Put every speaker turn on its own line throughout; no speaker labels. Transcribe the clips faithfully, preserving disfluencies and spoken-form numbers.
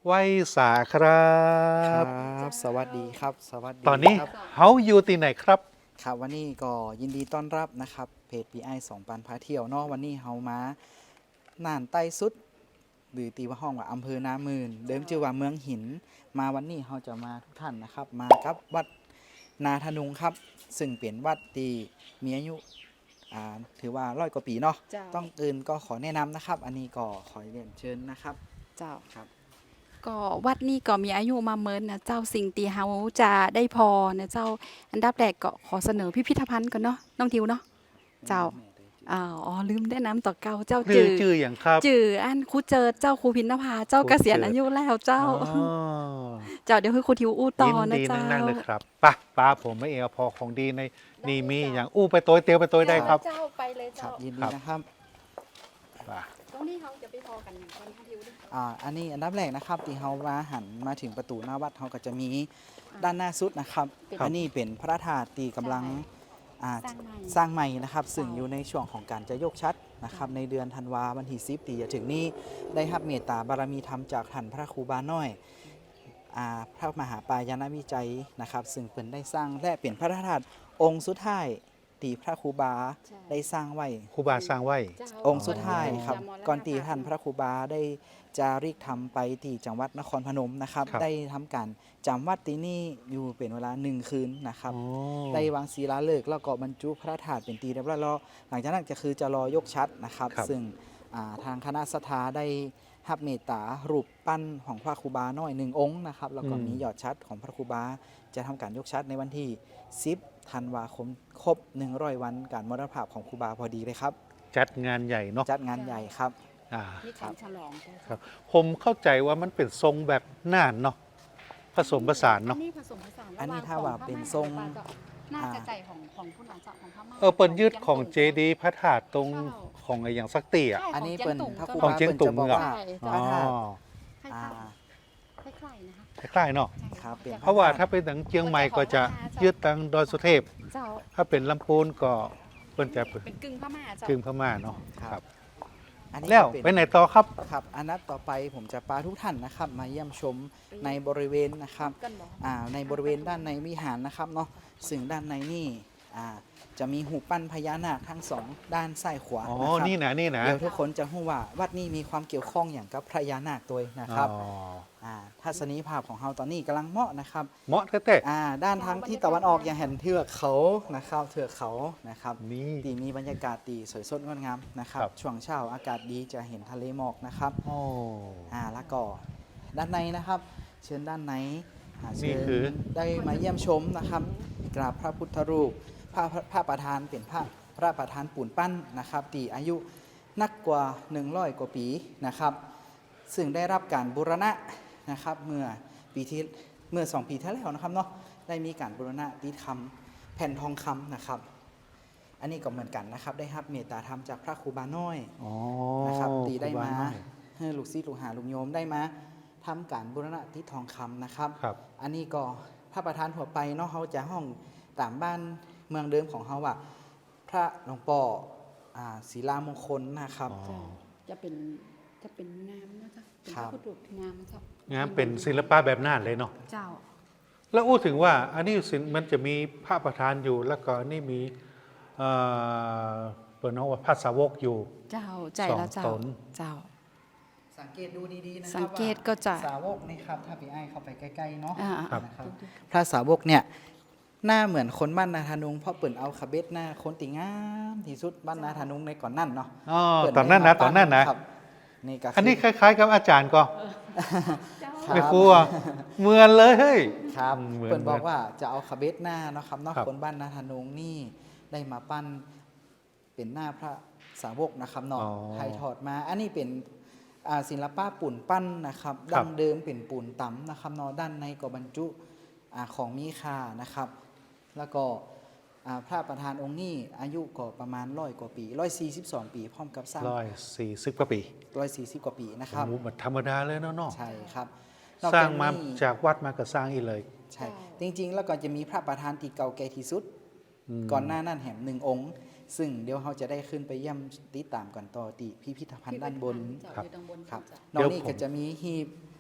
ไว้สาครั
คร
บั
บสวัสดีครับสวัสดี
ตอนนี้
ครับ
เฮาอยู่ที่ไหนครับ
ครับวันนี้ก็ยินดีต้อนรับนะครับเพจ พี ไอ สองปันพาเที่ยวเนาะวันนี้เฮามาน่านใต้สุดหรือตีว่าห้องว่าอำเภอนามื่นเดิมชื่อว่าเมืองหินมาวันนี้เฮาจะมาทุกท่านนะครับมากับวัดนาทะนุงครับซึ่งเป็นวัดที่มีอายุอ่าถือว่าร้อยกว่าปีเนาะ
เจ้า
ต้องอื่นก็ขอแนะนำนะครับ อันนี้ก็ขอเรียนเชิญนะครับ
เจ้า
ครับ
ก็วัดนี้ก็มีอายุมาเมินนะเจ้าสิ่งตีเฮาจะได้พอนะเจ้าอันดับแรกก็ขอเสนอพิพิธภัณฑ์ก่อนเนาะน้องทิวเนาะเจ้าอ่าอ๋อลืมแนะนำต่อเก่าเจ้า
ชื่
จื
อ
อ
ชื่ออย่างครับ
จืออันครูเจิดเจ้าครูพินนภาเจ้า
ครู
เกษียณ
เจิด
อายุแล้วเจ้า
อ๋อ
เจ้าเดี๋ยวให้ครูทิวอู้ต่อ
ยิน
นะ
ดี
เจ้า
นั่งๆเลยครับไป้าป้าผมไม่เอวพอของดีในนี่มีอย่างอู้ไปตัวเตียวไปตัวได้ครับ
เจ้าไปเลย
ครั
เจ้า
บยินดี
ครับ
นะครับ
ป่า
ตรงนี้เขาจะไปพอกันอย่างคนทิวดิ
อ่าอันนี้อันดับแรกนะครับที่เฮามาหันมาถึงประตูหน้าวัดเฮาก็จะมีด้านหน้าสุดนะครับ
เป็น
อันนี้เป็นพระธาตุที่กำลังอ่า
สร้างใหม่
สร้างใหม่นะครับ ซึ่ง
เจ้า
อยู่ในช่วงของการจะยกชัดนะครับ ในเดือนธันวาวันที่สิบที่จะถึงนี้ได้รับเมตตาบารมีธรรมจากท่านพระครูบาน้อยอ่าพระมหาปายานวิจัยนะครับ ซึ่งเพิ่นได้สร้างและเป็นพระธาตุองค์สุดท้ายที่พระครูบา
ใช่
ได้สร้างไว้
ครูบาสร้างไว้
เจ้า
องค์สุดท้ายครับ
จะมรณ
ก่อนตี
ภพ
ท่านพระครูบาได้จาริกทำไปที่จังหวัดนครพนมนะครับ
ครับ
ได้ทำการจำวัดที่นี่อยู่เป็นเวลาหนึ่งคืนนะครับ
อ๋อ
ได้วางศิลาฤกษ์แล้วก็บรรจุพระธาตุเป็นตีเรียบร้อยแล้วหลังจากนั้นก็คือจะรอยกชัดนะครับ
ครับ
ซึ่งอ่าทางคณะสถาได้รับเมตตารูปปั้นของพระครูบาน้อยหนึ่งองค์นะครับแล้วก็มียอดชัดของพระครูบาจะทำการยกชัดในวันที่สิบธันวาคมครบหนึ่งร้อยวันการมรณภาพของครูบาพอดีเลยครับ
จัดงานใหญ่เนาะ
จัดงานใหญ่ครับ
อ่า
นี่การฉลองเจ้า
ครับ ผมเข้าใจว่ามันเป็นทรงแบบน่านเนาะผสมผสานเนาะ
อันนี้ผสมผสาน
อันนี้
ระห
ถ้าว่า
ขอ
เป็น
พม่
ทรง
กับปลาเจ้าน่า
อ่า
จะใจของของผู้หลานเจ้าของพม่า
เออเปิ้นยึดของเจดีย์พระธาตุตรงของไอ้อย่างสักตีอ่ะ
ใช่
อันนี้
ขง
เป็น
จียง
พระค
ตุ่
รู
ม
ของเจียงตุ่ม
บา
เหรอ
ว่า
ใช่
พ
เจ้า
ระธาตุ
คล้าย
อ่า
ๆคล้ายๆนะคะ
คล้ายๆเนาะ
ใช่
ครับเป็น
เพราะว่าถ้าเป็นทางเชียงใหม่ก็จะยึดทางดอยสุเทพ
เจ้า
ถ้าเป็นลำพูนก็เพิ่นจะ
เป็นกึ่งพม่าเจ้าก
ึ่งพม่าเนาะ
ครับ อันนี้
แล้ว
ก็
ไปไหนต่อครับ
ครับอันนัดต่อไปผมจะพาทุกท่านนะครับ มาเยี่ยมชมในบริเวณนะครับ
กันบอก
อ่าในบริเวณด้านในวิหารนะครับเนาะซึ่งด้านในนี่อ่าจะมีหูปั้นพญานาคทั้งสองด้านซ้ายขวา
อ๋อ
นะครับ
นี่นะนี่นะ
เดี๋ยวทุกคนจะรู้ว่าวัดนี้มีความเกี่ยวข้องอย่างกับพญานาคตัวนะครับ
อ๋อ
อ่าทัศนียภาพของเราตอนนี้กำลังเหมาะนะครับ
เหมาะแท้
อ่าด้านทางที่ตะวันออกอย่างเห็นเทือกเขานะครับเทือกเขานะครับ
ๆนี่
ตีมีบรรยากาศตีสวยสดงดงามนะครับ
ครับ
ช่วงเช้าอากาศดีจะเห็นทะเลหมอกนะครับ
โอ้
อ่าแล้วก็ด้านในนะครับ เชิญด้านในอ่า
นี่
เชิญ
คือ
ได้มาเยี่ยมชมนะครับกราบพระพุทธรูปพระพระพระประธานเป็นพระพระประธานปูนปั้นนะครับตีอายุนักกว่าหนึ่งร้อยกว่าปีนะครับ ซึ่งได้รับการบูรณะนะครับเมื่อปีที่เมื่อสองปีที่แล้วนะครับเนาะได้มีการบูรณะติดคำแผ่นทองคำนะครับ อันนี้ก็เหมือนกันนะครับ ได้รับเมตตาธรรมจากพระครูบาน้อย
อ๋อ
นะครับตีได้
ครูบ
มา
น้อย
ให้ลูกศิษย์ลูกหาลูกโยมได้มาทำการบูรณะที่ทองคำนะครับ
ครับ
อันนี้ก็พระประธานทั่วไปเนาะเขาจะห้องตามบ้านเมืองเดิมของเขาว่าพระหลวงป่ออ่าศิลามงคลนะครับ
อ๋อ
เจ้าจะเป็นจะเป็นงามนะเจ้าเป็น
ครั
พ
บ
ระพุทธรูปที่งามนะเจ้าง
านเป็นศิลปะแบบน่านเลยเนาะ
เจ้า
แล้วอู้ถึงว่าอันนี้ศิลป์มันจะมีพระประธานอยู่แล้วก็นี่มีเอ่อเปิดน้องว่าพระสาวกอยู่
เจ้าใจแล้ว
สอง
เจ้า
ตน
เจ้า
สังเกตดูดีๆนะค
สั
รับ
งเกต
ว่า
ก็จะ
สาวกนี่ครับถ้าพี่ไอ้เข้าไปใกล้ๆเนาะ
อ่า
ครับ
นะครับพระสาวกเนี่ยหน้าเหมือนคนบ้านนาธานุงเพราะเปิ่นเอาคาเบสหน้าคนติงามที่สุดบ้านนาธานุงในก่อนนั่นเนาะ
อ๋อ
เปิ่
ตอนนั้นนะ
ได้มา
ตอนนั้นนะ
ครับนี่ก็คื
อันนี้คล้าย ๆ กับอาจารย์ก็
เจ้า
ครับ
ไม่ครัวเหมือนเลยเฮ้ย
ครับ
เหมือน
เปิ่นบอกว่าจะเอาคาเบสหน้าเนาะครับเนาะ
ครับ
คนบ้านนาธานุงนี่ได้มาปั้นเป็นหน้าพระสาวกนะครับเนาะ
อ๋อ
ไทยถอดมา อันนี้เป็นอ่าศิลปะปูนปั้นนะครับ
ครั
ดั้
บ
งเดิมเป็นปูนตำนะครับเนาะด้านในก็บรรจุอ่าของมีค่านะครับ แล้วก็อ่าพระประธานองค์นี้อายุก็ประมาณร้อยกว่าปีร้อยสี่สิบสองปี พร้อมกับสร้าง
ร้อยสี่สิบกว่าปี
ร้อยสี่สิบกว่าปีนะครับ
โอ้โหมันธรรมดาเลยเนาะเนาะ
ใช่ครับนอก
สร้างมา
นี้
จากวัดมาก็สร้างอีกเลย
ใช่ จริง ๆ แล้วก็จะมีพระประธานที่เก่าแก่ที่สุด ก่อนหน้านั้นแหมหนึ่งองค์ ซึ่งเดี๋ยวเราจะได้ขึ้นไปเยี่ยมติดตามกันต่อที่พิพิธภัณฑ์ด้านบน
เจ้า
ครับ
อยู่ด้านบน
ครับน
เดี๋
อก
ยว
นี้
ผม
ก็จะมีหีบ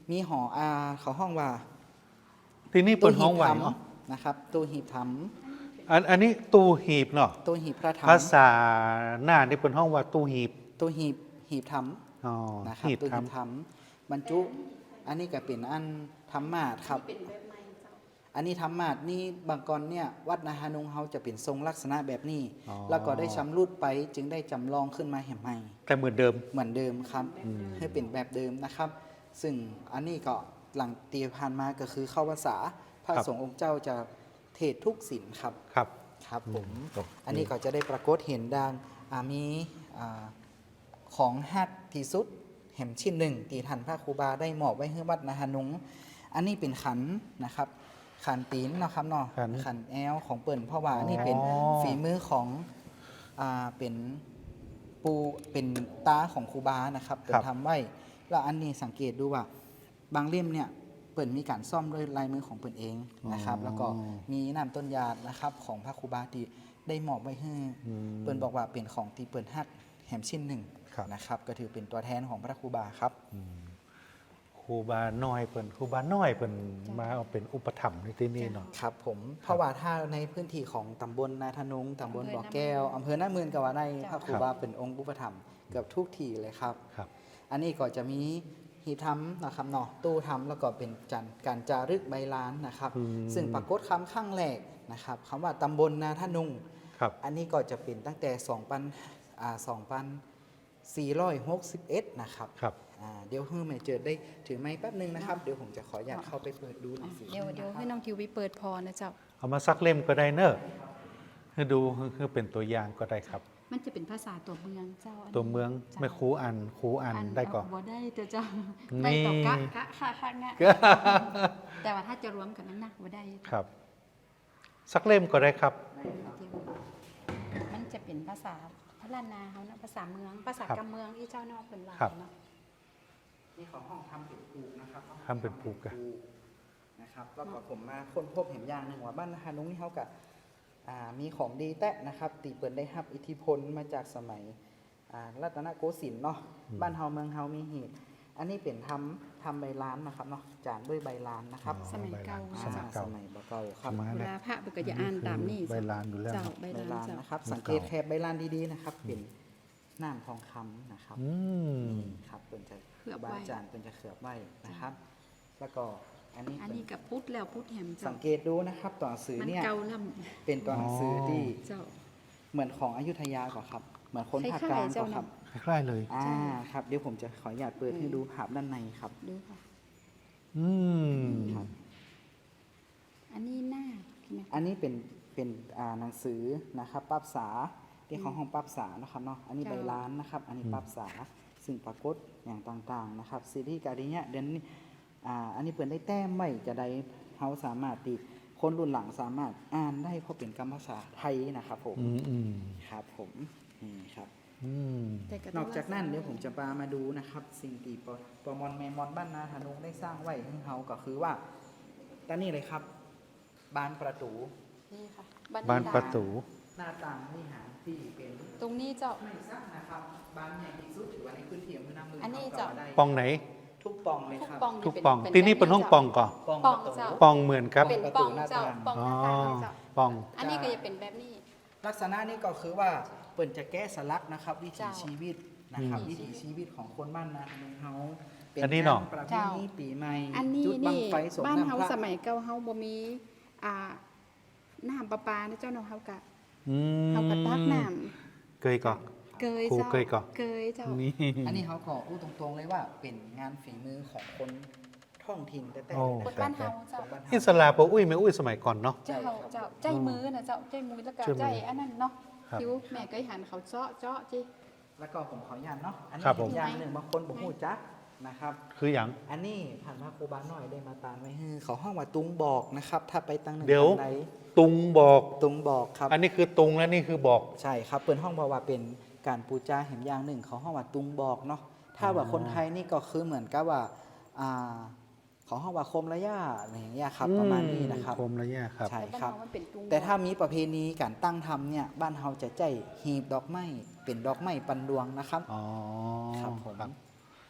มีหออาเขาห้องว่า
ที่นี่เป็นห้องไหว
ตู้หีบ
เนาะ
ถำนะครับตู้หีบถ
อันอันนี้ตู้หีบเนาะ
ำตู้หีบพระถ
ภาษาหน้านี่เป็นห้องว่าตู้หีบ
ำตู้หีบหีบถ
อ๋อ
ำนะครับ
หีบ
ตู้
ท
หีบถำบรรจุ อันนี้ก็เป็นอันธรรมาสครับ อันนี้ธรรมาสนี่บางกรเนี่ยวัดนาฮานุงเฮาจะเป็นทรงลักษณะแบบนี้
อ๋อ
แล้วก็ได้ชำรุดไปจึงได้จำลองขึ้นมาแห่งใหม่
แต่เหมือนเดิม
เหมือนเดิมครับให้เป็นแบบเดิมนะครับ ซึ่งอันนี้ก็หลังตีผ่านมาก็คือเข้าพรรษาพระ
ครับ
สงฆ์องค์เจ้าจะเทศทุกศีลครับ
ครับ
ครับผม
ครับ
อันนี้ก็จะได้ปรากฏเห็นดังอ่ามีอ่าของฮักที่สุดแห่มชิ้นหนึ่งตีทันพระครูบาได้มอบไว้ให้วัดนาฮานุงอันนี้เป็นขันนะครับ ขันตีนเนาะครับเนาะ
ขัน
ขันแอลของเปิ่นเพราะว่าอันนี้เป็น
อ๋อ
ฝีมือของอ่าเป็นปูเป็นตาของครูบานะครับเป็นทำไว้แล้วอันนี้สังเกตดูว่าบางเล่มเนี่ยเปิ่นมีการซ่อมด้วยลายมือของเปิ่นเองนะครับ แล้วก็มีน้ำต้นยานะครับของพระครูบาที่ได้มอบไว้ให้
อืม
เปิ่นบอกว่าเป็นของที่เปิ่นฮักแหมชิ้นหนึ่ง
ครับ
นะครับ ก็ถือเป็นตัวแทนของพระครูบาครับ
ครูบาน้อยเปิ่นครูบาน้อยเปิ่นมาเอาเป็นอุปถัมภ์ในที่นี่เนาะ
ครับผมเพราะว่าถ้าในพื้นที่ของตำบลนาทนุงตำบลบ่อแก้วอำเภอหน้าเมืองกว่าในพระครูบาเป็นองค์อุปถัมภ์เกือบทุกที่เลยครับ
ครับ
อันนี้ก็จะมีหีบทำนะครับเนาะตู้ทำแล้วก็เป็นจันการจารึกใบลานนะครับ
อืม
ซึ่งปรากฏคำข้างแรกนะครับคำว่าตำบลนาทนุง
ครับ
อันนี้ก็จะเป็นตั้งแต่2ปันอ่า2ปันสี่ร้อยหกสิบเอ็ดนะครับ
ครับ
อ่าเดี๋ยวเพิ่มให้เจอได้ถือไม้แป๊บนึงนะครับเดี๋ยวผมจะขออยากเข้าไปเปิดดูหนังสือ
เดี๋ยวเดี๋ยว
นะครับ
ให้น้องทิวไปเปิดพอนะเจ้า
เอามาสักเล่มก็ได้เนอะให้ดูคือเป็นตัวอย่างก็ได้ครับ
มันจะเป็นภาษาตัวเมืองเจ้าอันนี้
ตัวเมือง
จ้า
ไม่ครูอ่านครูอ่านได้ก่อน
บ่ได้เจ้าเจ้า
นี่
ได้ต่อกะกะค่ะค่ะงะแต่ว่าถ้าจะรวมกันนั้นนะบ่ได้
ครับ สักเล่มก็ได้ครับ
มันจะเป็นภาษาพระล้านนาเขานะภาษาเมือง ภาษา
ครับ
กำเมืองที่เจ้านอกเป็นว่า
ครับ
เนาะ
นี่ของห้องทำเป็นปลูกนะครับ
ทำเป็นปลูกอะ
นะครับแล้วก็ผมมาค้นพบเห็นอย่างหนึ่งว่าบ้านนาฮานุงนี่เขากับอ่ามีของดีแตะนะครับตีเปิดได้รับอิทธิพลมาจากสมัยอ่ารัตนโกสินทร์เนาะบ้านเฮาเมืองเฮามีเหตุอันนี้เป็นทำทำใบลานนะครับเนาะจานด้วยใบลานนะครับ
อ๋อ
สมัยเก่า
สมัยเก่า
สมัยเก่าครับ
มา
เว
เนี่ย
ลาพระเบิกก็จะอ่านตามนี่
ใบลานอยู่แล้ว
เจ้า
เนอะ
ใบ
ใบ
ลาน
ลาน
เจ้า
นะครับ
มัน
สังเกต
เก่า
แคบใบลานดีๆนะครับเป็นน้ำทองคำนะครับ
อืม
นี่ครับเป็นจะ
เคลือบไว้
บาจานเป็นจะเขือบไว้นะครับ แล้วก็อันนี้
อัน
เป็น
นี้กับพุทธแล้วพุทธแหม
สั
เจ้าง
เกตดูนะครับตัวหนังสือ
มัน
เนี่ย
เก่าล่
เป็นตัวหนังสือที่
ำเจ้า
เหมือนของอยุธยากว่าครับ เหมือนคนภาค
ค
ก
ล้า
ลาย ง
ๆเจ้า
ก็ครับ
น่ะ
คล้ายๆเลย
อ่าครับเดี๋ยวผมจะขออนุญาตเปิดให้ดูภาพด้านในครับ
ดูค่ะ
อืม
ครับ
อันนี้หน้าใช่ไหม
อันนี้เป็นเป็นอ่าหนังสือนะครับปรับษาที่ของห้องปรับษานะครับเนาะอันนี้ใบล้านนะครับ อันนี้ปรับษาซึ่งปรากฏอย่างต่างๆนะครับซีรีส์การีเนี่ยเดือนนี้อ่าอันนี้เปิดได้แต้มไม่จะได้เขาสามารถติคนรุ่นหลังสามารถอ่านได้เพราะเป็นกรรมภาษาไทยนะครับผม
อืมอืม
ครับผมนี่ครับ
อืม
แต่ก็
นอกจากนั้นเดี๋ยวผมจะพามาดูนะครับ สิ่งที่ปปมอนแมมอนบ้านนาธนุงได้สร้างไว้ให้เขาก็คือว่าตอนนี้เลยครับบานประตู
นี่ค่ะ
บ้านประตู
หน้าต่างวิหารที่เป็น
ตรงนี้เจ้า
ไม่ซักนะครับบานใหญ่ที่สุดถือว่าในพื้นที่อำเภอหน้าเมือง
อันนี้
เขา
จะ
ก็ได้
ปองไหน
ทุกปองเลย
ทุก
ครับ
ปอง
ทุก
เป็
ปอง
เป็
ที่นี่เป็นห้องปองก่อน
ปอง
ปอง
ประตู
เจ้า
ปองเหมือนครับ
เป็นปองเจ้าปอง
อ๋อ
หน้าต่างเจ้า
ปอง
อันนี้ก็จะเป็นแบบนี้
ลักษณะนี้ก็คือว่าเปิ่นจะแก้สลักนะครับ วิถี
เจ้า
ชีวิตนะครับ
อืม
วิถีชีวิตของคนบ้านนาธนุงเฮาเป็
อันนี้เนาะ
งประเพ
เจ้า
ณีปีใหม่
อันนี้
จุดบัง
นี่
ไฟสง
บ้าน
น้ำ
เฮา
พระ
สมัยเก่าเฮาบ่มีอ่าน้ำประปานะเจ้าเนาะเฮากะ
อืม
เฮากะตักน้
เกยก่อน
ำเกย
ครู
เจ้า
เกยก่อน
เกยเจ้า
นี่
อันนี้เขาขอพูดตรงๆเลยว่าเป็นงานฝีมือของคนท้องถิ่นแต่แต่
โอ้
คนบ้านเฮาเจ้า
คนบ้านเฮา
อิสลาปะอุ้ยไม่อุ้ยสมัยก่อนเนาะ
เจ้าเจ้าใจมือนะเจ้าใจมือแล้วก็
ใจมือ
ใจอันนั้นเนาะ
ครับ
คิวแม่เคยหันเขาเจาะเจาะจิ
แล้วก็ผมขออนุญาตเนาะ อันนี้
ครับผม
เป็นอย่างหนึ่งบางคนบอกหูจักนะครับ
คืออย่าง
อันนี้ผ่านพระครูบาหน่อยได้มาตานไว้ให้เขาห้องว่าตุงบอกนะครับ ถ้าไปตั้งหนึ่ง
เดี๋ยว
ตั้งใด
ตุงบอก
ตุงบอกครับ
อันนี้คือตุงและนี่คือบอก
ใช่ครับเปิดห้องบอกว่าเป็นการปูจาเห็นอย่างหนึ่งเขาห้องว่าตุงบอกเนาะ ถ้าว่าคนไทยนี่ก็คือเหมือนกับว่าอ่าเขาห้องว่าโคมระยะอะไรอย่างเงี้ยครับประมาณนี้นะครับ
คมระยะครับ
ใช่
แต่
ครับ
บ้านเฮามันเป็นตุง
แต่ถ้ามีประเพณีการตั้งทำเนี่ยบ้านเฮาจะใจหีบดอกไม้เป็นดอกไม้ปันดวงนะครับ
อ๋อ
ครับผม
ครับ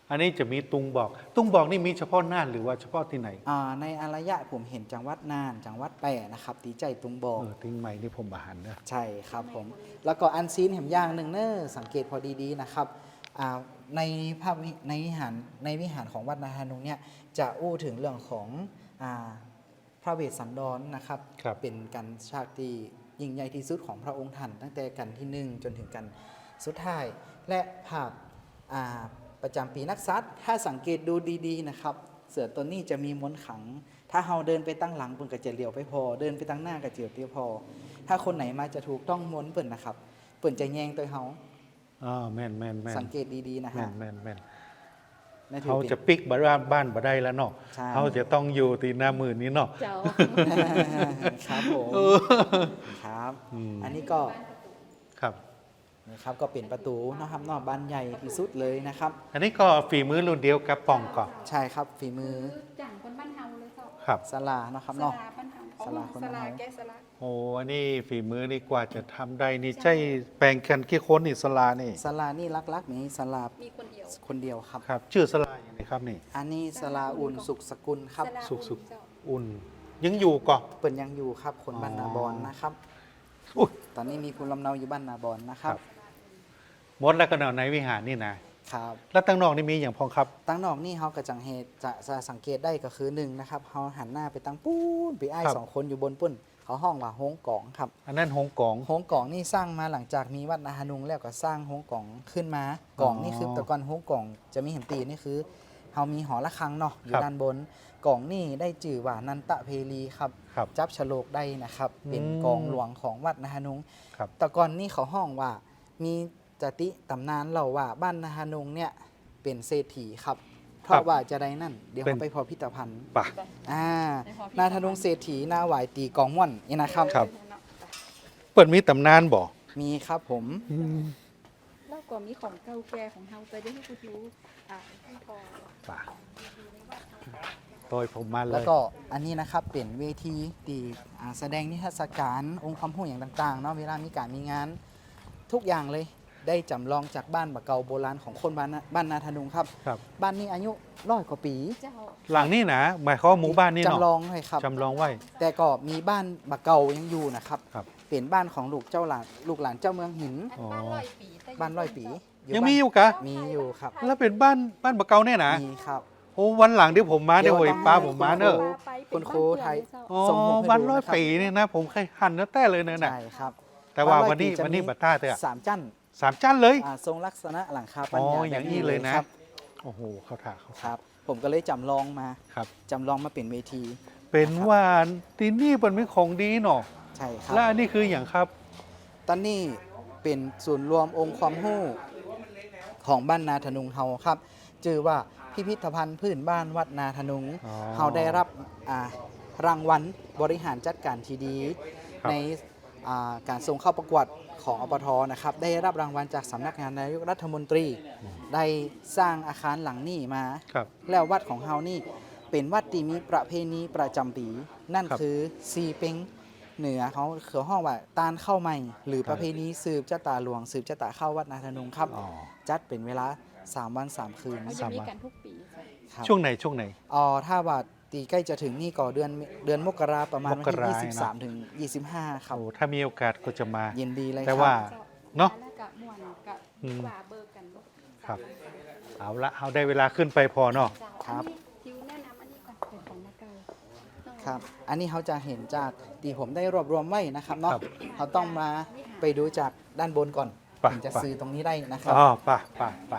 อันนี้จะมีตุงบอก ตุงบอกนี่มีเฉพาะน่านหรือว่าเฉพาะที่ไหน
อ่าในอารยะผมเห็นจังหวัดน่านจังหวัดแปะนะครับตีใจตุงบอก
เออทิ้งใหม่นี่ผมอาหารนะ
ใช่ครับผม แล้วก็อันซีนแหมอย่างหนึ่งเนอะสังเกตพอดีๆนะครับอ่าในภาพวิในวิหารในวิหารของวัดนาธนุงเนี่ยจะอู้ถึงเรื่องของอ่าพระเวสสันดรนะครับ
ครับ
เป็นการฉากที่ยิ่งใหญ่ที่สุดของพระองค์ท่านตั้งแต่กันที่หนึ่งจนถึงกันสุดท้าย และภาพอ่าประจำปีนักษัตริย์ถ้าสังเกตดูดีๆนะครับ เสือตัวนี้จะมีม้วนขัง ถ้าเราเดินไปตั้งหลังเปิ่นก็จะเลี้ยวไปพอ เดินไปตั้งหน้าก็เจียวเตี้ยวพอ ถ้าคนไหนมาจะถูกต้องม้วนเปิ่นนะครับเปิ่นจะแยงตัวเฮา
อ๋อแม่นแม่นแม่น
สังเกตดีๆนะ
แม่
ฮะ
นแม่นแม่น
นั่นถือ
เขา
เป็น
จะปิกบ้านบ้านบ่ได้แล้วเนาะ
ใช่
เขาจะต้องอยู่ตีหน้ามือนี้เนาะ
เจ้า
ครับผม
เออ
ครับ
อืม
อันนี้ก็
ครับ
นะครับก็เป็นประตูนะครับนอกบ้านใหญ่ที่สุดเลยนะครับ
อันนี้ก็ฝีมือรุ่นเดียวกับป่องก่อน
ใช่ครับฝีมือ
จังคนบ้านเฮาเลยเจ้า
ครับ
สลานะครับ
ส
เนาะ
ลาบ้านเฮา
สลาคน
ส
บ้าน
ลา
เฮา
แกสลา
โอ้อันนี้ฝีมือนี่กว่าจะทำได้นี่ใช่แปลงกันกี่คนนี่สลานี่
สลานี่ลักๆนี้สลา
มีคนเดียว
คนเดียวครับ
ครับ ชื่อสลาอย่างไรครับนี่
อันนี้สลาอุ่นสุขสกุลครับ
สลา
สุกสุก
เจ้า
อุ่น ยังอยู่ก่อน
เปิ่นยังอยู่ครับคนบ้านนาบอนนะครับ
อุ๊ย
ตอนนี้มีภูมิลำเนาอยู่บ้านนาบอนนะครับ
ครับ หมดแล้วก็นอนในวิหารนี่นะ
ครับ
แล้วตั้งนอกนี่มีอย่างพองครับ
ตั้งนอกนี่เขากระจังเหตุจะจะสังเกตได้ก็คือหนึ่งนะครับเขาหันหน้าไปตั้งปูนไปไอ้าย
ครับ
สองคนอยู่บนปุ้นเขาห้องว่าโฮงกองครับ
อันนั้นหงกอง
โฮงกองนี่สร้างมาหลังจากมีวัดนาฮานุงแล้วก็สร้างโฮงกองขึ้นมากองนี่คือแต่ก่อนโฮงกองจะมีเห็นตีนี่คือเขามีหอระฆังเนาะอยู่ด้านบนกองนี่ได้จื่อว่านันตะเพลีครับ
ครับ
จับฉลกได้นะครับ เป็น
อืม
กองหลวงของวัดนาฮานุง
ครับ
แต่ก่อนนี่เขาห้องว่ามีจติตำนานเล่าว่าบ้านนาฮานุงเนี่ยเป็นเศรษฐีครับ เพ
ครั
ราะ
บ
ว่าจะได้นั่น เดี๋ยว
เป็น
เขาไปพอพิพิธภัณฑ์
ป่ะ
อ่า
ได้พอพิพิธภัณฑ์
นาธนุงเศรษฐีนาหวายตีกองม่วนนี่นะครับ
ครับ เปิดมีตำนานบ่
มีครับผม
แล้วก็มีของเก่าแก่ของเฮาไปได้ให้คุณรู้อ่าที่พอ
ป่ะโดยผมมาเล
แล้ว
ย
ก็อันนี้นะครับเป็นเวทีตีอ่าแสดงนิทรรศการองค์ความรู้อย่างต่างๆเนาะเวลามีการมีงาน ทุกอย่างเลยได้จำลองจากบ้านบะเกาโบราณของคนบ้านนาบ้านนาธนุงครับ
ครับ
บ้านนี้อายุร้อยกว่าปี
เจ้า
หลังนี่นะหมายความว่าหมู่บ้านนี่เนาะ
จำลองเลยครับ
จำลองไว้
แต่ก็มีบ้านบะเกายังอยู่นะครับ
ครับ
เป็นบ้านของลูกเจ้าหลานลูกหลานเจ้าเมืองหิน
อันบ้านร้อยปีแต่
บ้านร้อยปี
ยังมีอยู่กะ
มีอยู่ครับ
แล้วเป็นบ้านบ้านบะเกาเนี่ยนะ
มีครับ
โอ้วันหลังที่ผมมา
เดี๋
เดี๋ย
ยว ว
โอ้ย
ต้อง
ป้า
ให้
ผมมาเนอะ
คุณครูไทย
อ๋อ
ส่งผมให้
วัน
ดู
ร้อย
นะครับ
ปีนี่นะ ผมเคยหันเนื้อแต่เลยเนอะน่ะ
ใช่ครับ
แต่ว่า
บ้
วันนี้
ร้อยปีจะ
วันนี้
มี
บัตต้าเตอะ
สามจั่น
สามจันเลย
อ่าทรงลักษณะหลังคาปั
อ๋
ญ
อ
ญา
อย่างนี้เลยนะ
ครับ
โอ้โห เขาถ่าเขา
ครับ ผมก็เลยจำลองมา
ครับ
จำลองมาเป็นเวที
เป็นว่าที่นี่เป็นมีของดีเนาะ
ใช่ครับ
และอันนี้คืออย่างครับ
ตอนนี้เป็นศูนย์รวมองค์ความรู้ของบ้านนาธนุงเฮาครับชื่อว่าพิพิธภัณฑ์พื้นบ้านวัดนาธนุง
อ๋อ
เฮาได้รับอ่ารางวัลบริหารจัดการที่ดี
ครับ
ในอ่าการส่งเข้าประกวดของอปทนะครับ ได้รับรางวัลจากสำนักงานนายกรัฐมนตรี ได้สร้างอาคารหลังนี้มา
ครับ
แล้ววัดของเฮานี่เป็นวัดที่มีประเพณีประจำปี นั่น
ครับ
คือซีเป็งเหนือเขาเขือห้องว่าตานเข้าใหม่ หรือ
ครับ
ประเพณีสืบเจ้าตาหลวง สืบเจ้าตาเข้าวัดนาธนุงครับ
อ๋อ
จัดเป็นเวลาสามวันสามคืน
เขาจะมีกันทุกปีเจ้า
ครับ
ช่วงไหนช่วงไหน
อ๋อถ้าว่าตีใกล้จะถึงนี่ก็เดือนเดือนมกราประมาณวัน
มก
ที่
รา
ยี่สิบสามถึงยี่สิบห้าครับ
โอ้ถ้ามีโอกาสก็จะมา
เย็นดีเลย
แต่
ครับ
ว่า เนาะ
แล้วกับม่วนกับ
อืม
กว่าเบอร์กันเนอะ
ครับ เอาละเอาได้เวลาขึ้นไปพอเนาะ
เจ้า
ครับ
อันนี้ทิวแนะนำอันนี้ก่อนเป็นของนาเกา
ครับ อันนี้เขาจะเห็นจากที่ผมได้รวบรวมไว้นะครับเนาะ
ครับ
เขาต้องมาไปดูจากด้านบนก่อน
ไป
ถึงจะ
ไป
ซื้อตรงนี้ได้นะครับ
อ๋อป่ะป่ะป่ะ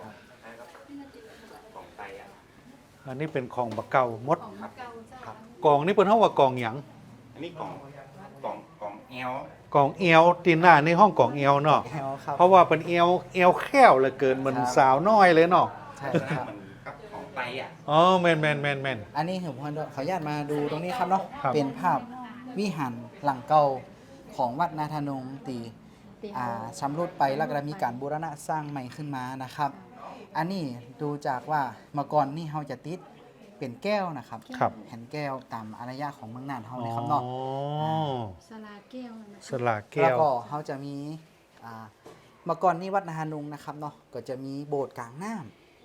อันนี้เป็นของบะเก่ามด
ของนาเกาเจ้า
กองนี่เป็นห้องว่ากองหยัง
อันนี้กล่องกล่องกล่องแอล
กองเอวตีนหน้าในห้องกองเอวเนาะ
แอลครับ
เพราะว่าเป็นเอวเอวแค้วเหลือเกินมัน
ครับ
สาวน้อยเลยเนาะ
ใช่ครับ
มันกับของไตอ่ะ
อ๋อแมนแมนแมนแมน
อันนี้ผมขออนุญาตมาดูตรงนี้ครับเนาะ
ครับ
เป็นภาพวิหารหลังเก่าของวัดนาธนงตี
ตี
อ่าชำรุดไปแล้วก็มีการบูรณะสร้างใหม่ขึ้นมานะครับ อันนี้ดูจากว่าเมื่อก่อนนี่เขาจะติดเป็นแก้วนะครับ
ครับ
แผ่นแก้วตามอารยะของเมืองน่านเขา
อ๋
เลย
อ
ครับเนาะ
สลาแก้วนะ
สลากแก้
แล้ว
ว
ก็เขาจะมีอ่าเมื่อก่อนนี่วัดนาธนงนะครับเนาะก็จะมีโบสถ์กลางน้ำ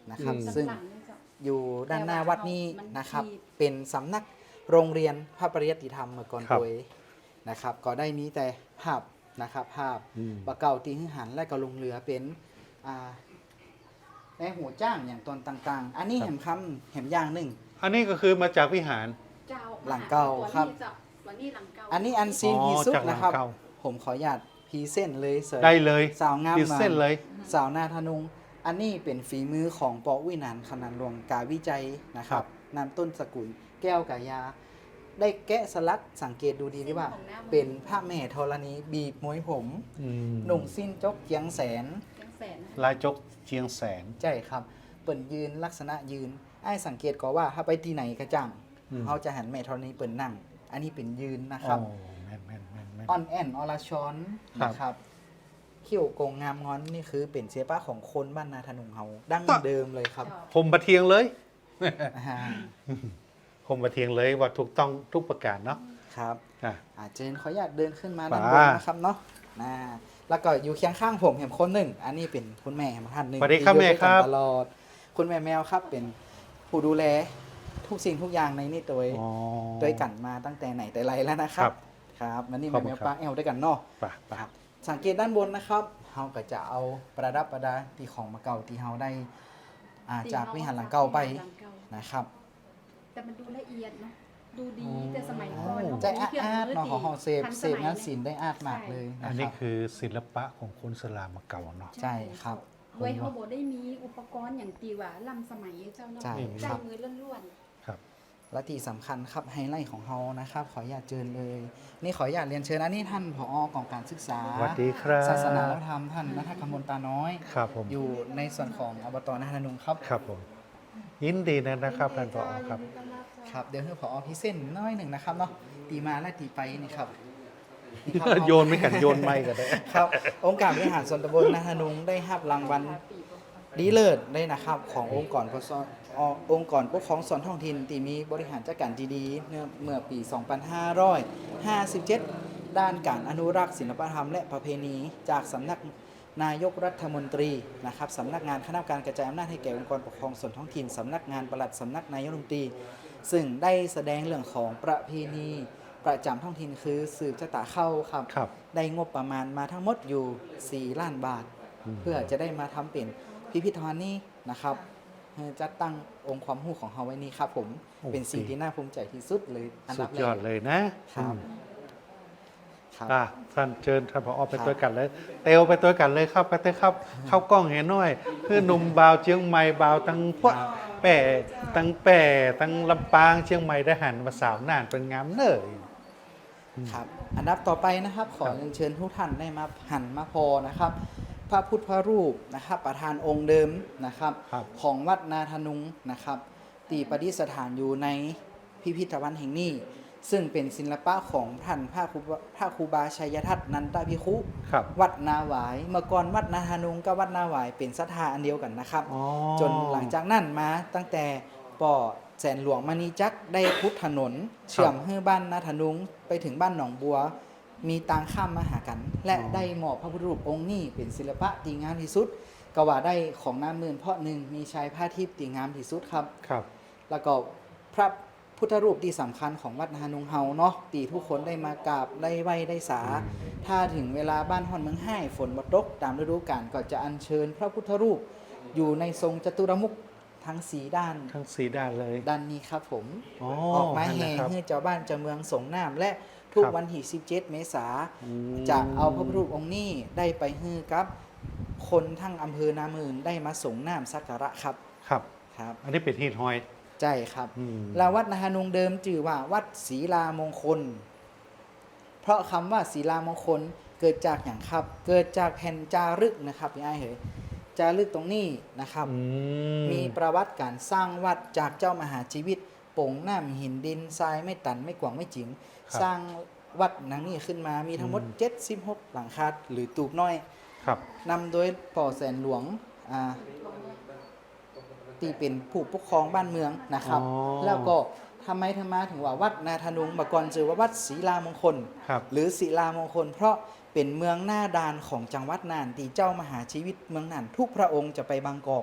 นะครับ
อืม
ซึ่ง
หลังๆนี่เจ้า
อยู่ด้านหน้าวัดนี้
มัน
นะครับ
ขีด
เป็นสำนักโรงเรียนพระปริยัติธรรมเมื่อก่อน
ครับ
โดยนะครับ ก็ได้มีแต่ภาพนะครับ ภาพ
อืม
ปะเก่าตีหึหันและก็ลงเรือเป็นอ่าในหัวจ้างอย่างตอนต่างๆ อันนี้
ครับ
เห็นคำเห็นอย่างหนึ่ง
อันนี้ก็คือมาจากวิหาร
เจ้า
หลังเก่าครับ
ตัวนี้เจ้าตัวนี้หลังเก่า
อันนี้อันซีน
อ๋อ
ที่สุด
จากหลัง
นะครับ
เก่า
ผมขออนุญาตพรีเส้นเลยเสย
ได้เลย
สาวงาม
ขีด
มา
เส้นเลย
สาวนาธนุง อันนี้เป็นฝีมือของปอวินันท์คณันหลวงกาวิจัยนะครับนำต้นสกุลแก้วกายา ได้แกะสลักสังเกตดูดีดีว่า เป็นพระแม่ธรณีบีบมวยผม
อืม
หนุ่งสิ้นจกเจียงแสน
แกงแสนนะ
ลายจกเชียงแสน
ใช่ครับ เปิ่นยืนลักษณะยืน ไอ้สังเกตก็ว่าถ้าไปที่ไหนกระจัง
อืม
เขาจะหันแม่ธรณีเปิ่นนั่ง อันนี้เป็นยืนนะค
อ๋
รั
อบ แม่นแม่นแม่นแม่น
อ่อนแอนออลาชอน
ครับ
นะครับเขี้ยวโกงงามงอนนี่คือเป็นเสียป้าของคนบ้านนาธนุงเฮาดั้งเดิมเลยครับ
เจ้า
ผมประเทียงเลย
อ่า
ผมประเทียงเลยว่าถูกต้องทุกประการเนาะ
ครับ
อ่ะ
อาเจนขออนุญาตเดินขึ้นมา
ป่า
ด้านบนนะครับเนาะนะแล้วก็อยู่เคียงข้างผมเห็นคนหนึ่ง อันนี้เป็นคุณแม่ของท่านหนึ่ง
สวัสดีครับ
ที่อยู่
แม่
ด้วย
ค
กั
รั
น
บ
ตลอด คุณแม่แมวครับเป็นผู้ดูแลทุกสิ่งทุกอย่างในนี่ตัว
อ๋อ
ด้วยกันมาตั้งแต่ไหนแต่ไรแล้วนะครั
ครับ บ
ครับมันนี่
ขอบ
แม่
คุ
แม
ณ
ว
ครับ
ป้าแอลด้วยกันเนาะ
ไป่ะป่ะ
ครับสังเกตด้านบนนะครับเราก็จะเอาประดับประดาที่ของมาเก่าที่เราได้อ่าจากวิหารหลังเก่าไป
หลังเก่า
นะครับ
แต่มันดูละเอียดเนาะดูดี
อ๋อ
แต่สมัยก่อน
ใจอาร์ตๆเนาะของเฮาเซฟ
ทัน
เซ
ส
ฟ
มัย
งานศิลป์ได้อาร์ตมากเลย
อั
นะ
น
ค
นี้
รับ
คือศิลปะของคนสลามมาเก่าเนาะ
ใช่ครับ
ด้วยเขาบอกได้มีอุปกรณ์อย่างตีว่าล้ำสมัยเจ้าเนาะ
ใช่
ใจ
ครับ
มือล้วน
ครับ
และที่สำคัญครับไฮไลท์ของเฮานะครับ ขออนุญาตเชิญเลย นี่ขออนุญาตเรียนเชิญอันนี้ท่านผอกองการศึกษา
สวัสดีครับ
ศาสนาและธรรมท่านนัทกมลตาน้อย
ครับผม
อยู่ในส่วนของอบตนาธนุงครับ
ครับผม ยินดีนะ
ๆ
นะครับท่านผอครับ
ยินดีต้อนรับเจ้า
ครับเดี๋ยวให้ผอพิเศษน้อยหนึ่งนะครับเนาะตีมาและตีไปนี่ครับนี่ครับ
โยนไม่กันโยนไม่กันได้
ครับ องค์การบริหารส่วนตำบลนาธนุงได้รับรางวัลดีเลิศได้นะครับ ขององค์กรปกครองอ่อองค์กรปกครองส่วนท้องถิ่นที่มีบริหารจัดการที่ดีเมื่อเมื่อปี สองพันห้าร้อยห้าสิบเจ็ด ด้านการอนุรักษ์ศิลปธรรมและประเพณีจากสำนักนายกรัฐมนตรีนะครับสำนักงานคณะกรรมการกระจายอำนาจให้แก่องค์กรปกครองส่วนท้องถิ่นสำนักงานปลัดสำนักนายกรัฐมนตรี ซึ่งได้แสดงเรื่องของประเพณีประจำท้องถิ่นคือสืบชะตาเข้าครับ
ครับ
ได้งบประมาณมาทั้งหมดอยู่ สี่ ล้านบาท
อืม
เพื่อจะได้มาทำเป็นพิพิธภัณฑ์นี้นะครับเพื่อจัดตั้งองค์ความรู้ของเขาไว้นี้ครับผม
โอ้
เป็นสิ่งที่น่าภูมิใจที่สุดเลยอัน
สุ
ดั
ด
บแร
ยอด
ก
เลยนะครับ อืม
ครับ
อ่ะท่านเชิญท่านผอไป
ครับ
ตัวกันเลย เตวไปตัวกันเลยครับไปเตอครับ เข้ากล้องเห็นหน่อยเพื่อหนุ่มบาวเชียงใหม่บาวตั้งพวกแป่ตั้งแป่ตั้งลำปางเชียงใหม่ได้หันมาสาวน่านเป็นงามเนย
ครับอันดับต่อไปนะครับ ขอเรียนเชิญทุกท่านได้มาหันมาพอนะครับ พระพุทธรูปนะครับ ประธานองค์เดิมนะครับ
ครับ
ของวัดนาธนุงนะครับตีประดิษฐานอยู่ในพิพิธภัณฑ์แห่งนี้ ซึ่งเป็นศิลปะของท่านพระครูบาพระครูบาชัยทัตนันตภิกขุ
ครับ
วัดนาหวาย เมื่อก่อนวัดนาธนุงกับวัดนาหวายเป็นศรัทธาอันเดียวกันนะครับ
อ๋อ
จนหลังจากนั้นมาตั้งแต่ป่อแสนหลวงมณีจักรได้พุทธถนน เชื่อมให้บ้านนาธนุงไปถึงบ้านหนองบัว มีตางข้ามมาหากัน และ
อ๋อ
ได้มอบพระพุทธรูปองค์นี้เป็นศิลปะตีงามที่สุดก็ว่าได้ของน้ำเมือนเพราะหนึ่งมีชายผ้าทิพย์ตีงามที่สุดครับ
ครับ
แล้วก็พระพุทธรูปที่สำคัญของวัดนานุงเฮาเนาะตีทุกคนได้มากราบได้ไหว้ได้สา ถ้าถึงเวลาบ้านฮอนเมืองไห้ฝนบ่ตกตามฤดูกาลก็จะอัญเชิญพระพุทธรูป อยู่ในทรงจตุรมุขทั้งสีด้าน
ทั้งสีด้านเลย
ด้านนี้ครับผม
อ๋อ
ออกมา
นั่น
แห่
นะครับ
ให้เจ้าบ้านเจ้าเมืองสงน้ำและทุก
ครับ
วันที่สิบเจ็ดเมษา
อืม
จะเอาพระพุทธรูปองค์นี้ได้ไปฮื้อกับ คนทั้งอำเภอนามืนได้มาสงน้ำสักการะครับ
ครับ
ครับ
อันนี้เป็นฮีทฮอย
ใช่ครับ
อืม
และวัดนาฮานุงเดิมจื่อว่าวัดศรีลามงคล เพราะคำว่าศรีลามงคลเกิดจากอย่างครับ เกิดจากแผ่นจารึกนะครับพี่ไอ้เหยจารึกตรงนี้นะครับ
อืม
มีประวัติการสร้างวัดจากเจ้ามหาชีวิตโป่งน้ำหินดินทรายไม่ตันไม่กวางไม่จิ๋งสร้างวัดนังนี้ขึ้นมามีทั้งหมดเจ็ดสิบหกหลังคาหรือตูบน้อย
ครับ
นำโดยป่อแสนหลวงอ่าที่เป็นผู้ปกครองบ้านเมืองนะครับ
อ๋อ
แล้วก็ทำไมทำไมาถึงว่าวัดนาธนุงมาก่อนชื่อว่าวัดศรีลามงคล
ครับ
หรือศิลามงคล เพราะเป็นเมืองหน้าด่านของจังหวัดน่านที่เจ้ามหาชีวิตเมืองน่านทุกพระองค์จะไปบางกอก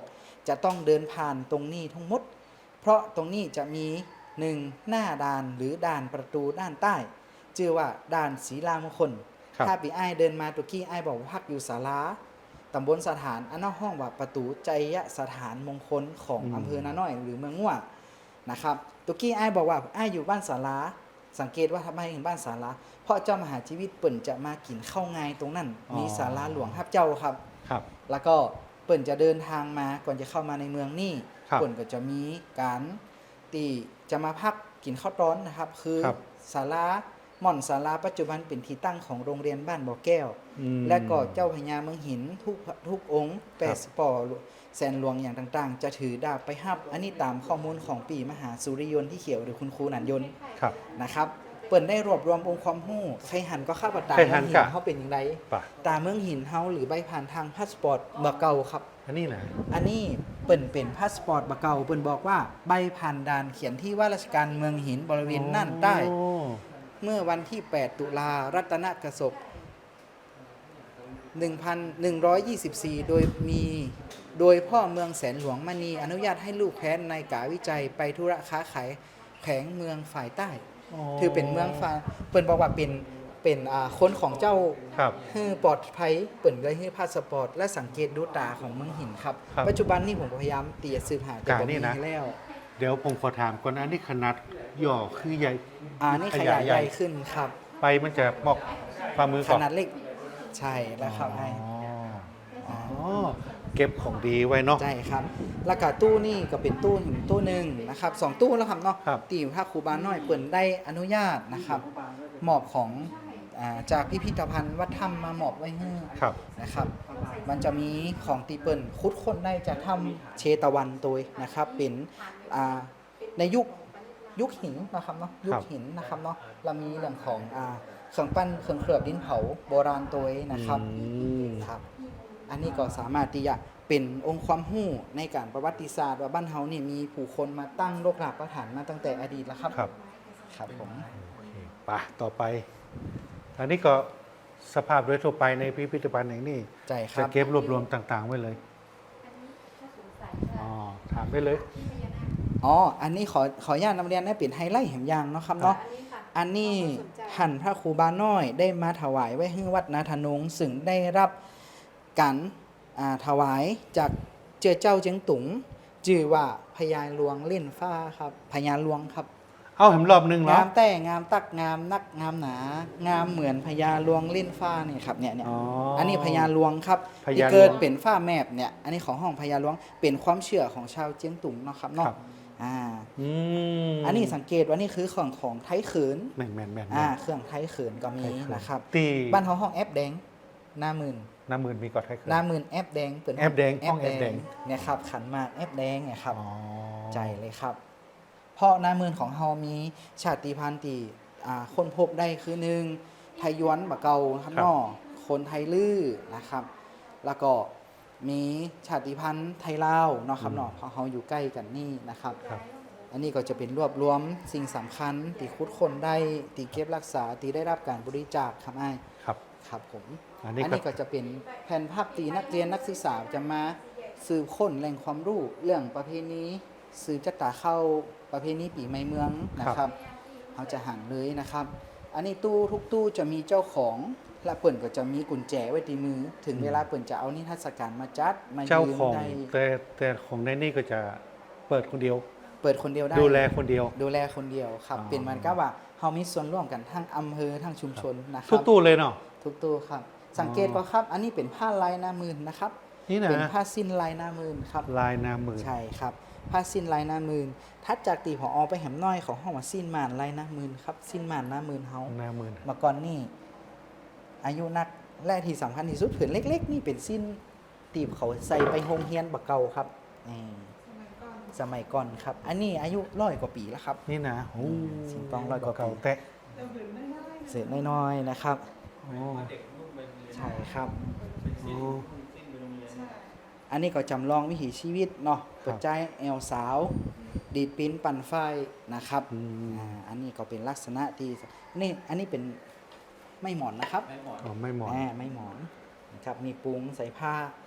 จะต้องเดินผ่านตรงนี้ทั้งหมด เพราะตรงนี้จะมีหนึ่งหน้าด่านหรือด่านประตูด้านใต้ชื่อว่าด่านศรีลามงคล
ครับ
ถ้าปีไอ้ายเดินมาตุกี้ไอ้ายบอกว่าพักอยู่ศาลาตำบลสถานอันนอกห้องว่าประตูใจยสถานมงคลของ
อืม
อำเภอนาน้อยหรือเมืองง่วนะครับตุกี้ไอ้ายบอกว่าไอ้ายอยู่บ้านศาลาสังเกตว่าทำไมถึงบ้านศาลาเพราะเจ้ามหาชีวิตเปิ่นจะมากินข้าวงายตรงนั้น มีศาลาหลวงฮับเจ้าครับ
ครับ
แล้วก็เปิ่นจะเดินทางมาก่อนจะเข้ามาในเมืองนี่
ครับ
เปิ่นก็จะมีการตีจะมาพักกินข้าวร้อนนะครับ คือ
ครับ
ศาลาหม่อนศาลาปัจจุบันเป็นที่ตั้งของโรงเรียนบ้านบ่อแก้ว
อืม
และก็เจ้าพญาเมืองหินทุกทุกองค์แป
ครั
ด
บ
สปอร์แสนหลวงอย่างต่างๆ จะถือดาบไปฮับ อันนี้ตามข้อมูลของปีมหาสุริยนต์ที่เขียวหรือคุณครูหนันยนต์
ครับ
นะครับ เปิ่นได้รวบรวมองค์ความรู้ใครหันก็เข้าประตา
ใคร
เมื
หั
อน งหิ
กะ
นเขาเป็นอย่างไร
ป่ะ
ตาเมืองหินเฮาหรือใบผ่านทางพาสปอร์ตบ่เก่าครับ
อันนี้นะ
อันนี้เปิ่นเป็นพาสปอร์ตบะเก่าเปิ่นบอกว่าใบผ่านด่านเขียนที่ว่าราชการเมืองหินบริเวณน่านใต้
โอ้
เมื่อวันที่ แปด ตุลารัตนกสบหนึ่งพันหนึ่งร้อยยี่สิบสี่ โดยมีโดยพ่อเมืองแสนหลวงมณีอนุญาตให้ลูกแคว้นในกาวิจัยไปธุระค้าขายแขวงเมืองฝ่ายใต้ ถือเป็นเมืองฝ่ายเปิ่นบอกว่าเป็นเป็นอ่าคนของเจ้า
ครับ
ฮือปลอดภัยเปิ่นเลยให้พาสปอร์ตและสังเกตดูตาของเมืองหินครับ
ครับ
ปัจจุบันนี้ผมก็พยายามตีสืบหาแต่
กา
บ่
นี่
มี
นะ
ให้แล้ว
เดี๋ยวผมขอถามก่อนนะอันนี้ขนาดหย่อคือใหญ่
อ่านี่ขยายใหญ่ขึ้นครับ
ไปมันจะมอกฝ่ามือ
ข
ก่อน
นาดเล็กใช่แล้วครับให้
อ๋ออ๋อ เก็บของดีไว้เนาะ
ใช่ครับแล้วก็ตู้นี่ก็เป็นตู้หินตู้หนึ่งนะครับสองตู้แล้วครับเนาะ
ครับ
ตีถ้าครูบาน้อยเปิ่นได้อนุญาตนะครับมอบของอ่าจากพิพิธภัณฑ์วัดถ้ำมามอบไว้ให้
ครับ
นะครับ มันจะมีของตีเปิลคุดคนได้จะทำเชตวันตัวนะครับ เป็นอ่าในยุคยุคหินนะครับเนาะยุคหินนะครับเนาะเรามีเรื่องของอ่าเครื่องปั้นเครื่องเคลือบดินเผาโบราณตัวนะครับ
อืม
ครับ อันนี้ก็สามารถที่จะเป็นองค์ความรู้ในการประวัติศาสตร์ว่าบ้านเฮานี่มีผู้คนมาตั้งโลกหลักประฐานมาตั้งแต่อดีตแล้วครับ
ครับ
ครับผม
โอเคไปต่อไป อันนี้ก็สภาพโดยทั่วไปในพิพิธภัณฑ์แห่งนี้
ใจค
จะ
รับ
เก็บรวบรวมต่าง ๆ ไว้เลย อ๋อ ถามได้เลย
อ๋อ อันนี้ขอขออนุญาตนำเรียนให้เป็นไฮไลท์แห่งยางเนาะครับเนาะ อันนี้ท่านพระครูบาน้อยได้มาถวายไว้ให้วัดนาธนงซึ่งได้รับการอ่าถวายจากเจ้าเจ้าเจียงตุงจื่อว่าพญาหลวงเล่นฟ้าครับพญาหลวงครับ
เอาเห็นรอบหนึงเหรอง
ามแต่งามตักงามนักงามหนา งามเหมือนพญาหลวงเล่นฟ้าเนี่ยครับเนี่ยเนี่ย
อ๋อ
อันนี้พญาหลวงครับ
พญาหลวง
ที่เกิดเป็นฟ้าแมบเนี่ยอันนี้ของห้องพญาหลวงเป็นความเชื่อของชาวเจียงตุงเนาะครับเนาะ
ครับ
อ่า
อืม
อันนี้สังเกตว่านี่คือของของไทยเขิน
แม่นแม่นแม่น
อ่าเครื่องไทยเขินก็มีนะครับ
ตี
บ้านเขาห้องแอปแดงหน้าหมื่น
น้ำมือมีกอดให้เคย
หน้าหมื่นแอปแดงเปิด
แอปแดงห้องแอปแดง
เนี่ยครับขันหมากแอปแดงเนี่ยครับ
อ๋อ
ใจเลยครับ เพราะหน้าหมื่นของเฮามีชาติพันธุ์ที่อ่าคนพบได้คือหนึ่งไทยย้วนบะเกาครับเนอคนไทยลื้อนะครับ แล้วก็มีชาติพันธุ์ไทยลาวเนาะครับเนาะเพราะเฮาอยู่ใกล้กันนี่นะครับ
ครับ
อันนี้ก็จะเป็นรวบรวมสิ่งสำคัญที่คุดคนได้ที่เก็บรักษาที่ได้รับการบริจาคครับไอ้าย
ครับ
ครับผม
อันนี้ก็
อันนี้ก็จะเป็นแผ่นภาพตีนักเรียนนักศึกษาจะมาสืบค้นแหล่งความรู้เรื่องประเพณีสืบจัตตาเข้าประเพณีปีใหม่เมืองนะครับเขาจะหันเลยนะครับ อันนี้ตู้ทุกตู้จะมีเจ้าของและเปิ่นก็จะมีกุญแจไว้ที่มือ ถึงเวลาเปิ่นจะเอานิทรรศการมาจัดมา
เจ้า
ยืม
ของ
ได้
แต่แต่ของในนี่ก็จะเปิดคนเดียว
เปิดคนเดียวได้
ดูแลคนเดียว
ดูแลคนเดียวครับ
อ๋อ
เป็นมันก็ว่าเฮามีส่วนร่วมกันทั้งอำเภอทั้งชุมชนนะค
ทุ
รั
กตู้เลยเนาะ
ทุกตู้ครับ สังเกตก็ครับ อันนี้เป็นผ้าลายหน้ามืนนะครับ
นี่นะ
เป็นผ้าสิ้นลายหน้ามืนครับ
ลายนามือ
ใช่ครับ ผ้าสิ้นลายหน้ามืนทัดจากตีผออไปแหมน้อยของห้องว่าสิ้นหมานลายหน้ามืนครับ สิ้นหมานหน้ามืนเฮา
นามือ
เมาก่อนนี่อายุนักและที่สำคัญที่สุดผืนเล็ก ๆ นี่เป็นสิ้นตีบเขาใส่ไปโรงเรียนบักเก่าครับนี่สมัยก่อนครับ อันนี้อายุร้อยกว่าปีแล้วครับ
นี่นะโอ้
สิงตองร้อยกว่าปี
เก่าแตะ
เศษน้อยๆนะครับ
โอ้
ใช่ครับ
โอ้
อันนี้ก็จำลองวิถีชีวิตเนาะเปิดใจแอลสาว ดีดปิ้นปั่นไฟนะครับ
อืม
อ่าอันนี้ก็เป็นลักษณะที่นี่อันนี้เป็นไม่หมอนนะครับ
อ๋อไม่เหมาะ
อ่าไม่หมอนนะครับมีปุ้งใส่ผ้า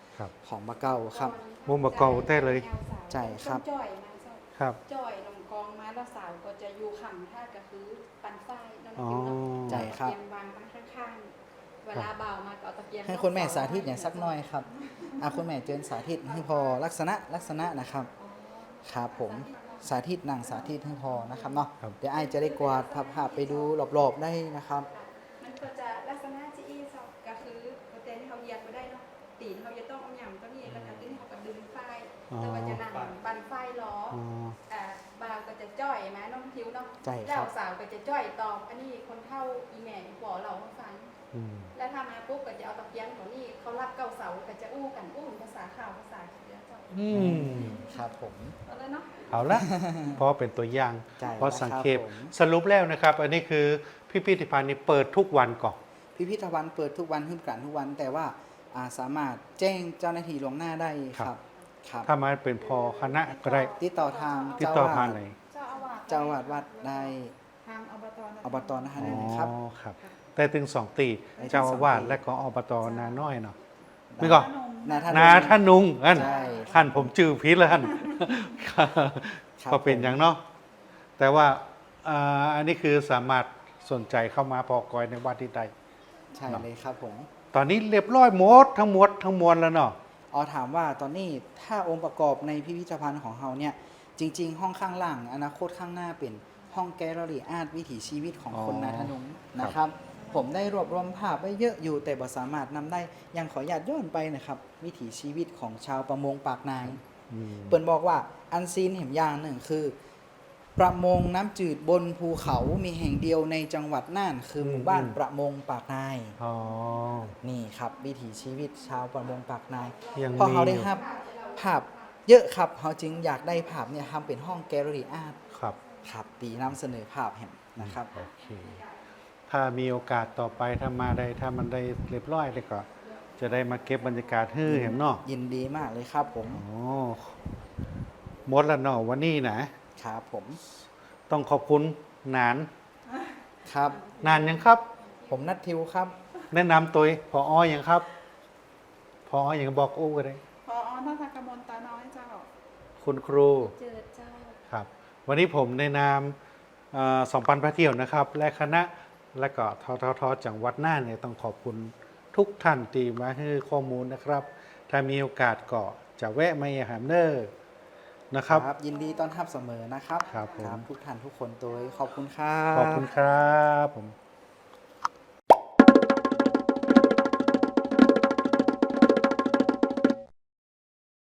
ครับ
ของมะเก่าครับ
มุมบะเก่าแท้เลย
ใช่ครับ
จ้อยมาเจ้า
ครับ
จ้อยนมกองมาแล้วสาวก็จะอยู่ขำท่าก็คือปันฝ้ายน้อง
อ๋อ
ทิวเนาะ
ใช่ครับ
ตะเกียงวางตั้งข้างๆ เวลาเบามาก็เอาตะเกียง
ให้คุณแม่สาธิตอย่างสักหน่อยครับอ่ะคุณแม่เจิญสาธิตให้พอลักษณะลักษณะนะครับครับผมสาธิตนั่งสาธิตให้พอนะครับเนาะ
ครับ
เดี๋ยวไอายจะได้กวาดภาพๆไปดูรอบๆได้นะครับ
มันก็จะลักษณะจีอีเจ้าก็คือโปรตีนที่เขาเหยียดมาได้เนาะตีนเขาจะต้องเอาหยำตัวนี้แล้วก็ตีนเขาก็ดึงฝ้ายแล้วก็จะนั่งปันฝ้ายล้อ
อ๋อ
อ่าบาวก็จะจ้อยไหมน้องทิวเนาะ
ใช่ครับ
เจ้าสาวก็จะจ้อยตอบอันนี้คนเท่าอีแม่บอกเราให้ฟัง
อืม
แล้วถ้ามาปุ๊บก็จะเอาตะเกียงของนี่เขารับเก้าเสาก็จะอู้กันอู้ภาษาข่าวภาษาเขียนเจ้า
อืม
ครับผม
เอาเลยเนาะ
เอาละ เพราะเป็นตัวอย่าง
ใช่
เพราะสังเกต
ครับผม
สรุปแล้วนะครับ อันนี้คือพิพิธภัณฑ์นี้เปิดทุกวันก่อน
พิพิธภัณฑ์เปิดทุกวันขึ้นกันทุกวัน แต่ว่าอ่าสามารถแจ้งเจ้าหน้าที่ล่วงหน้าได้ครับครับ
ถ้ามาเป็นพอคณะก็ได้
ติดต่อทาง
ติด
เจ้า
ต่อ
อา
ผ่าน
วาส
ไหน
เจ้าอาวาส
เจ้าอาวาสวัดได้
ทางอบตนะ
อบตนะคะ
อ๋
ได้
อ
เลยครับ
ครับ แต่ถึงสองตี
ได้ถึง
เจ้าอาวาส
สองตี
และก็อบตนาน้อยเนาะนี่ก่อน
นาท่าน
นาท่านนุงอัน
ใช่
ท่านผมจื้อพิษแล้วท่าน
ครับ
ก็เป็นอย่างเนาะแต่ว่าอ่าอันนี้คือสามารถสนใจเข้ามาพอกอยในวัดที่ใด
ใช่เลยครับผม
ตอนนี้เรียบร้อยหมดทั้งหมดทั้งมวลแล้วเนาะ
อ๋อถามว่าตอนนี้ถ้าองค์ประกอบในพิพิธภัณฑ์ของเราเนี่ยจริง ๆ ห้องข้างล่างอนาคตข้างหน้าเป็นห้องแกลเลอรี่อาร์ตวิถีชีวิตของคนนาทนุงนะครับ ผมได้รวบรวมภาพไว้เยอะอยู่แต่บ่สามารถนำได้ยังขออนุญาตย้อนไปนะครับ วิถีชีวิตของชาวประมงปากนาย
อืม
เปิ่นบอกว่าอันซีนเห็นอย่างหนึ่งคือ ประมงน้ำจืดบนภูเขามีแห่งเดียวในจังหวัดน่านคือหมู่บ้านประมงปากนาย
อ๋อ
นี่ครับวิถีชีวิตชาวประมงปากนาย
ยัง
พอเขา
มี
ได้
อยู่
ครับภาพเยอะครับเขาจึงอยากได้ภาพเนี่ยทำเป็นห้องแกลเลอรี่อาร์ต
ครับ
ครับตีนำเสนอภาพแห่งนะครับ
โอเค ถ้ามีโอกาสต่อไปถ้ามาได้ถ้ามันได้เรียบร้อยเลยก็ จะได้มาเก็บบรรยากาศให้เห็นเนาะ
ยินดีมากเลยครับผม
โอ้หมดแล้วเนาะวันนี้นะ
ครับผม
ต้องขอบคุณนาน
ครับ
นานยังครับ
ผมนัททิวครับ
แนะนำตัวพออยังครับ พออยังบอกโอ้ก็ได้
พออนัทกมลตาน้อยเจ้า
คุณครู
เจอเจ้า
ครับ วันนี้ผมในนามเอ่อสองพันพระเที่ยวนะครับ และคณะและก็ทททจังหวัดน่านเนี่ยต้องขอบคุณทุกท่านที่มาให้ข้อมูลนะครับ ถ้ามีโอกาสก็จะแวะมาเยี่ยมเนอร์นะครับ
ยินดีต้อนรับเสมอนะครับ
ครับผม
ทุกท่านทุกคนโดยขอบคุณครับ
ขอบคุณครับผม